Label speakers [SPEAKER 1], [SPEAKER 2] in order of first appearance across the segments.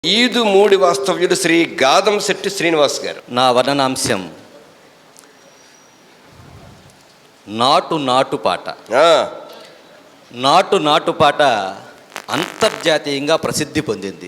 [SPEAKER 1] ఈదు మూడి వాస్తవ్యుడు శ్రీ గాదంశెట్టి శ్రీనివాస్ గారు.
[SPEAKER 2] నా వర్ణనాంశం నాటు నాటు పాట. నాటు నాటు పాట అంతర్జాతీయంగా ప్రసిద్ధి పొందింది.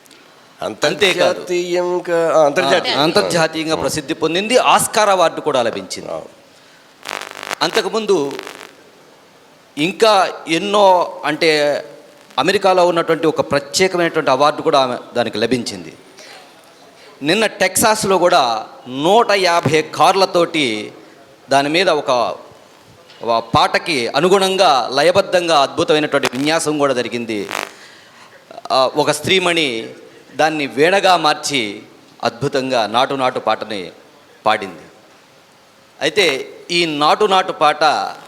[SPEAKER 2] అంతర్జాతీయంగా ప్రసిద్ధి పొందింది. ఆస్కార్ అవార్డు కూడా లభించింది. అంతకుముందు ఇంకా ఎన్నో, అంటే అమెరికాలో ఉన్నటువంటి ఒక ప్రత్యేకమైనటువంటి అవార్డు కూడా దానికి లభించింది. నిన్న టెక్సాస్లో కూడా 150 కార్లతోటి దాని మీద ఒక పాటకి అనుగుణంగా లయబద్ధంగా అద్భుతమైనటువంటి విన్యాసం కూడా జరిగింది. ఒక స్త్రీమణి దాన్ని వీణగా మార్చి అద్భుతంగా నాటు నాటు పాటని పాడింది. అయితే ఈ నాటు నాటు పాట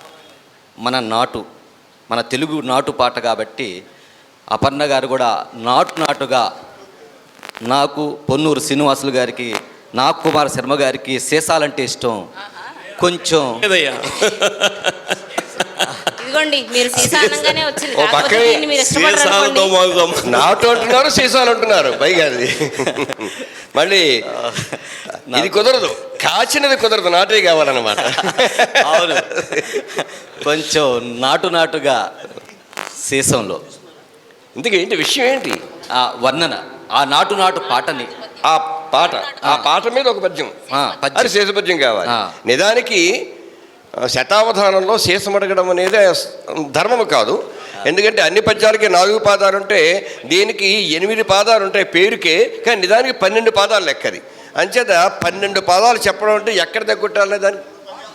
[SPEAKER 2] మన తెలుగు నాటు పాట కాబట్టి అపర్ణ గారు కూడా నాటుగా నాకు, పొన్నూరు శ్రీనివాసులు గారికి, నాగ్ కుమార్ శర్మ గారికి సీసాలంటే ఇష్టం. కొంచెం
[SPEAKER 3] ఇదిగోండి, మీరు సీసానంగానే వచ్చింది.
[SPEAKER 1] నాటు అంటున్నారు, సీసాలు అంటున్నారు పైగా. అది మళ్ళీ ఇది కుదరదు, కాచినది కుదరదు, నాటే కావాలన్నమాట.
[SPEAKER 2] అవును, కొంచెం నాటుగా సీసంలో.
[SPEAKER 1] ఇందుకు ఏంటి విషయం, ఏంటి
[SPEAKER 2] వర్ణన? ఆ నాటు పాటని,
[SPEAKER 1] ఆ పాట మీద ఒక పద్యం, అది శేషపద్యం కావాలి. నిజానికి శతావధానంలో శేషం అడగడం అనేది ధర్మము కాదు. ఎందుకంటే అన్ని పద్యాలకి 4 పాదాలు ఉంటే దీనికి 8 పాదాలు ఉంటాయి పేరుకే, కానీ నిజానికి 12 పాదాలు లెక్కది. అంచేత 12 పాదాలు చెప్పడం అంటే ఎక్కడ తగ్గుట్టాలి దానికి.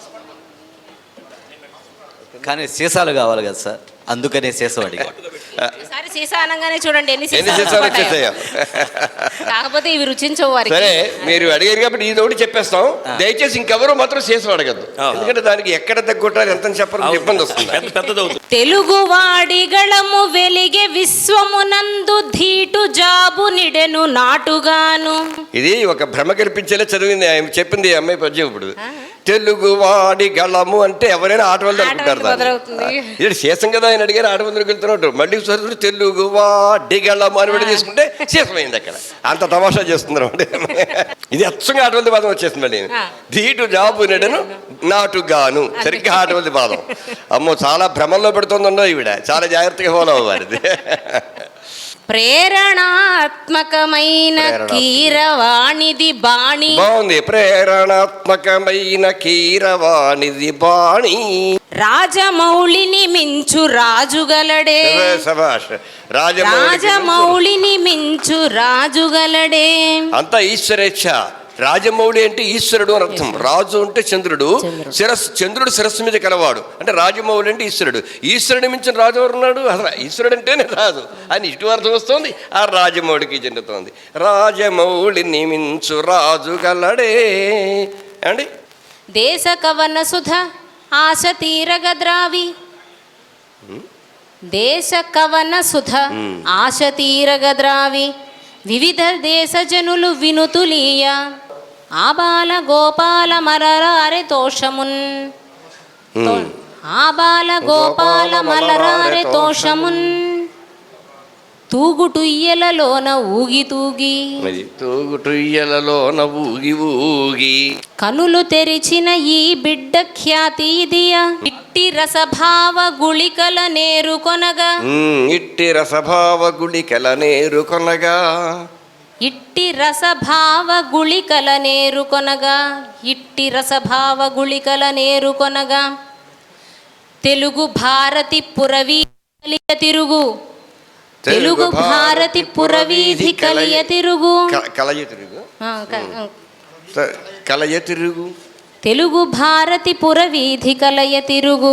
[SPEAKER 2] కానీ సీసాలు కావాలి కదా సార్, అందుకనే సీసం అడిగా.
[SPEAKER 3] సీసా అనగానే చూడండి ఎన్ని
[SPEAKER 1] సీసాలు వచ్చేసాయో.
[SPEAKER 3] కాకపోతే ఇవి రుచించవు వారికి.
[SPEAKER 1] సరే, మీరు అడిగారు కాబట్టి ఇది ఒకటి చెప్పేస్తాం. దయచేసి ఇంకెవరూ మాత్రం సీసం అడగద్దు, ఎందుకంటే దానికి ఎక్కడ తగ్గుంటారు ఎంత చెప్పడం ఇబ్బంది వస్తుంది.
[SPEAKER 3] తెలుగు వాడి గళము వెలిగే విశ్వమునందు ధీటు జాబు నిడెను నాటుగాను.
[SPEAKER 1] ఇది ఒక భ్రమ కల్పించేలా చదివింది చెప్పింది అమ్మాయి పద్యం. ఇప్పుడు తెలుగు వాడి గళము అంటే ఎవరైనా ఆటవల్లి అనుకుంటారు. ఇది శేషం కదా ఆయన అడిగారు, ఆటవల్లికి వెళ్తున్నట్టు. మళ్ళీ తెలుగు వాడి గళము అని కూడా తీసుకుంటే శేషమైంది. అక్కడ అంత తమాషా చేస్తున్నారు. ఇది అచ్చంగా ఆటవల్లి పాదం వచ్చేస్తుంది. మళ్ళీ ధీటు జాబు నెడను నాటుగాను, సరిగ్గా ఆటవల్లి పాదం. అమ్మో, చాలా భ్రమంలో పెడుతుందో ఈవిడ, చాలా జాగ్రత్తగా ఫాలో అవ్వాలి.
[SPEAKER 3] ప్రేరణాత్మకమైన కీరవాణిది బాణి.
[SPEAKER 1] బాగుంది, ప్రేరణాత్మకమైన కీరవాణిది బాణి.
[SPEAKER 3] రాజమౌళిని మించు రాజుగలడే. రాజమౌళిని మించు రాజుగలడే.
[SPEAKER 1] అంతా ఈశ్వరేచ్ఛ. రాజమౌళి అంటే ఈశ్వరుడు అని అర్థం. రాజు అంటే చంద్రుడు, చంద్రుడు శిరస్సు మీద కలవాడు అంటే రాజమౌళి అంటే ఈశ్వరుడు. ఈశ్వరుని మించిన రాజు ఎవరున్నాడు? అసలు ఈశ్వరుడు అంటేనే రాజు అని ఇటు అర్థం వస్తుంది. ఆ రాజమౌళికి చెందుతోంది. రాజమౌళిని మించు రాజు గలడే అండి.
[SPEAKER 3] దేశ కవన సుధ ఆశ తీరగద్రావి. దేశ కవన సుధ ఆశ తీరగద్రావి. వివిధ దేశ జనులు వినుతులీయ. ఆబాల గోపాల మలరారె తోషమున్. ఆబాల గోపాల మలరారె తోషమున్. తూగుటుయ్యలలోన ఊగి తూగి.
[SPEAKER 1] తూగుటుయ్యలలోన ఊగి ఊగి.
[SPEAKER 3] కనులు తెరిచిన ఈ బిడ్డ ఖ్యాతి ఇదియా. ఇట్టి రసభావ గుళికల నేరుకొనగా.
[SPEAKER 1] ఇట్టి రసభావ గుళికల నేరుకొనగా.
[SPEAKER 3] ఇట్టి రసభావ గుళికల నేరుకొనగా. ఇట్టి రసభావ గుళికల నేరుకొనగా. తెలుగు భారతి పురవీధి తిరుగు. తెలుగు భారతి పురవీధి కలియ తిరుగు.
[SPEAKER 1] కలయ తిరుగు, కలయ తిరుగు.
[SPEAKER 3] తెలుగు భారతి పురవీధి కలయ తిరుగు.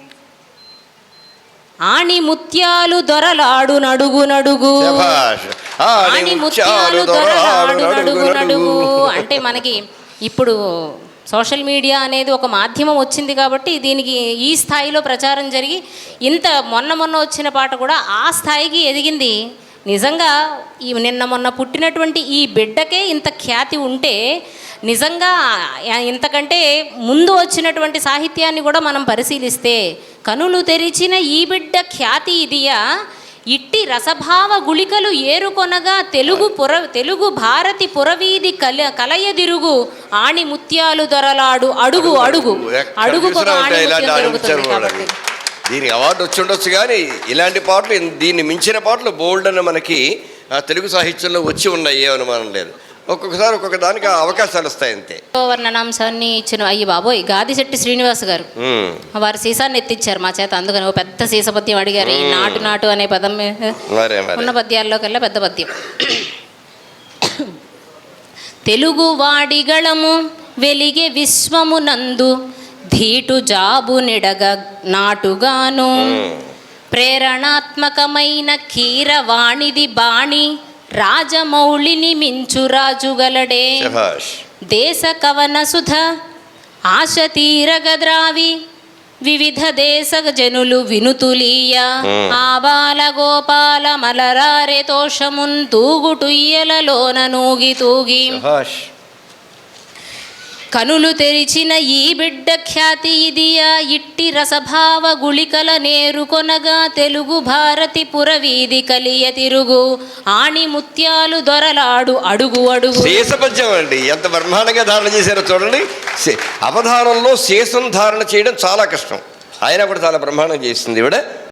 [SPEAKER 3] ఆణి ముత్యాలు దొరలాడు నడుగు నడుగు. ఆణి ముత్యాలు దొరలాడు నడుగు నడుగు. అంటే మనకి ఇప్పుడు సోషల్ మీడియా అనేది ఒక మాధ్యమం వచ్చింది కాబట్టి దీనికి ఈ స్థాయిలో ప్రచారం జరిగి ఇంత మొన్న వచ్చిన పాట కూడా ఆ స్థాయికి ఎదిగింది. నిజంగా ఈ నిన్న మొన్న పుట్టినటువంటి ఈ బిడ్డకే ఇంత ఖ్యాతి ఉంటే నిజంగా ఇంతకంటే ముందు వచ్చినటువంటి సాహిత్యాన్ని కూడా మనం పరిశీలిస్తే కనులు తెరిచిన ఈ బిడ్డ ఖ్యాతి ఇదియా. ఇట్టి రసభావ గుళికలు ఏరుకొనగా తెలుగు భారతి పురవీధి కలయదిరుగు ఆణి ముత్యాలు దొరలాడు అడుగు అడుగు అడుగుకొక ఆణి ముత్యం దొరుకుతుంది కాబట్టి.
[SPEAKER 1] దీనికి అవార్డు వచ్చి ఉండొచ్చు, కానీ ఇలాంటి పాటలు, దీన్ని మించిన పాటలు బోల్డ్ అని మనకి తెలుగు సాహిత్యంలో వచ్చి ఉన్నాయి, ఏ అనుమానం లేదు. ఒక్కొక్కసారి ఒక్కొక్క దానికి అవకాశాలు వస్తాయి అంతే.
[SPEAKER 3] వర్ణనాంశాన్ని ఇచ్చిన అయ్యి బాబోయ్ గాదిశెట్టి శ్రీనివాస్ గారు వారి సీసాన్ని ఎత్తిచ్చారు మా చేత. అందుకని ఓ పెద్ద సీస పద్యం అడిగారు. ఈ నాటు నాటు అనే పదం ఉన్న పద్యాల్లో కల్లా పెద్ద పద్యం. తెలుగు వాడిగళము వెలిగే విశ్వమునందు ధీటు జాబు నిడగ నాటుగాను ప్రేరణాత్మకమైన కీరవాణిది బాణి రాజమౌళిని మించు రాజుగలడే. దేశ కవన సుధ ఆశ తీరగద్రావి వివిధ దేశ జనులు వినుతులీయ ఆబాల గోపాల మలరారె తోషమున్ తూగుటుయ్యలలోన నూగి తూగి కనులు తెరిచిన ఈ బిడ్డ ఖ్యాతి ఇదియా ఇట్టి రసభావ గుళికల నేరుకొనగా తెలుగు భారతి పురవీధి కలియ తిరుగు ఆణి ముత్యాలు దొరలాడు అడుగు అడుగు.
[SPEAKER 1] శేషపద్యం అండి, ఎంత బ్రహ్మాండంగా ధారణ చేశారో చూడండి. అవధానంలో శేషం ధారణ చేయడం చాలా కష్టం, అయినా కూడా చాలా బ్రహ్మాండంగా చేసింది ఇవిడ.